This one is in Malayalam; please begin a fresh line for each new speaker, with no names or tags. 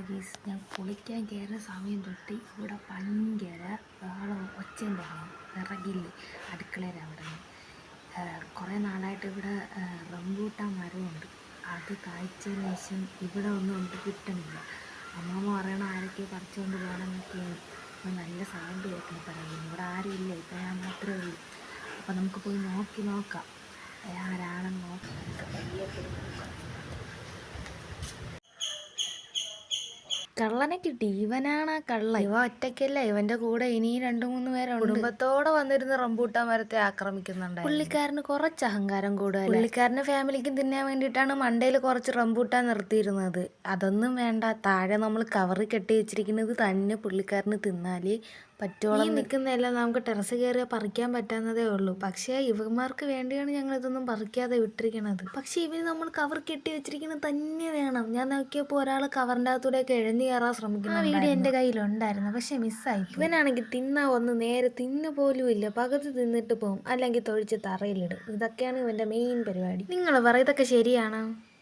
ഗീസ്, ഞാൻ കുളിക്കാൻ കയറുന്ന സമയം തൊട്ട് ഇവിടെ ഭയങ്കര ബഹളവും ഒച്ചയും ബഹളവും വിറകില്ലേ അടുക്കളയിൽ അവിടെ കുറേ നാളായിട്ട് ഇവിടെ റംബൂട്ടാൻ മരമുണ്ട്. അത് കായ്ച്ചതിന് ശേഷം ഇവിടെ ഒന്നും നമുക്ക് കിട്ടണില്ല. അമ്മമ്മ പറയണ ആരൊക്കെ പറിച്ചുകൊണ്ട് പോകണമെന്നൊക്കെയാണ്. അപ്പോൾ നല്ല സൗണ്ട് കേൾക്കണം പറയുന്നു. ഇവിടെ ആരും ഇല്ല, ഇപ്പം ഞാൻ മാത്രമേ ഉള്ളൂ. അപ്പോൾ നമുക്ക് പോയി നോക്കാം ആരാണെന്ന് നോക്കാം. കള്ളനെ കിട്ടി. ഇവനാണ് ആ കള്ളൻ. ഇവ ഒറ്റയ്ക്കല്ല, ഇവന്റെ കൂടെ ഇനിയും 2-3 പേരുണ്ട്. കുടുംബത്തോടെ വന്നിരുന്ന് റംബൂട്ടാൻ മരത്തെ ആക്രമിക്കുന്നുണ്ട്. പുള്ളിക്കാരന് കുറച്ച് അഹങ്കാരം കൂടുതൽ. പുള്ളിക്കാരന്റെ ഫാമിലിക്കും തിന്നാൻ വേണ്ടിയിട്ടാണ് മണ്ടയിൽ കുറച്ച് റംബൂട്ടാൻ നിർത്തിയിരുന്നത്. അതൊന്നും വേണ്ട, താഴെ നമ്മൾ കവറിൽ കെട്ടി വെച്ചിരിക്കുന്നത് തന്നെ പുള്ളിക്കാരന് തിന്നാലേ പറ്റോളം. നിൽക്കുന്നതെല്ലാം നമുക്ക് ടെറസ് കയറിയാൽ പറിക്കാൻ പറ്റാവുന്നതേ ഉള്ളൂ. പക്ഷേ ഇവന്മാർക്ക് വേണ്ടിയാണ് ഞങ്ങൾ ഇതൊന്നും പറിക്കാതെ വിട്ടിരിക്കണത്. പക്ഷേ ഇവന് നമ്മൾ കവർ കെട്ടി വെച്ചിരിക്കുന്നത് തന്നെ വേണം. ഞാൻ നോക്കിയപ്പോൾ ഒരാൾ കവറിൻ്റെ അകത്തൂടെയൊക്കെ എഴഞ്ഞു കയറാൻ ശ്രമിക്കുന്നു. ആ വീഡിയോ എൻ്റെ കയ്യിലുണ്ടായിരുന്നു, പക്ഷെ മിസ്സായി. ഇവനാണെങ്കിൽ തിന്നാ ഒന്ന് നേരെ തിന്നു പോലും ഇല്ല. പകുതി തിന്നിട്ട് പോകും, അല്ലെങ്കിൽ തൊഴിച്ച് തറയിലിടും. ഇതൊക്കെയാണ് ഇവൻ്റെ മെയിൻ പരിപാടി. നിങ്ങൾ പറ, ഇതൊക്കെ ശരിയാണോ?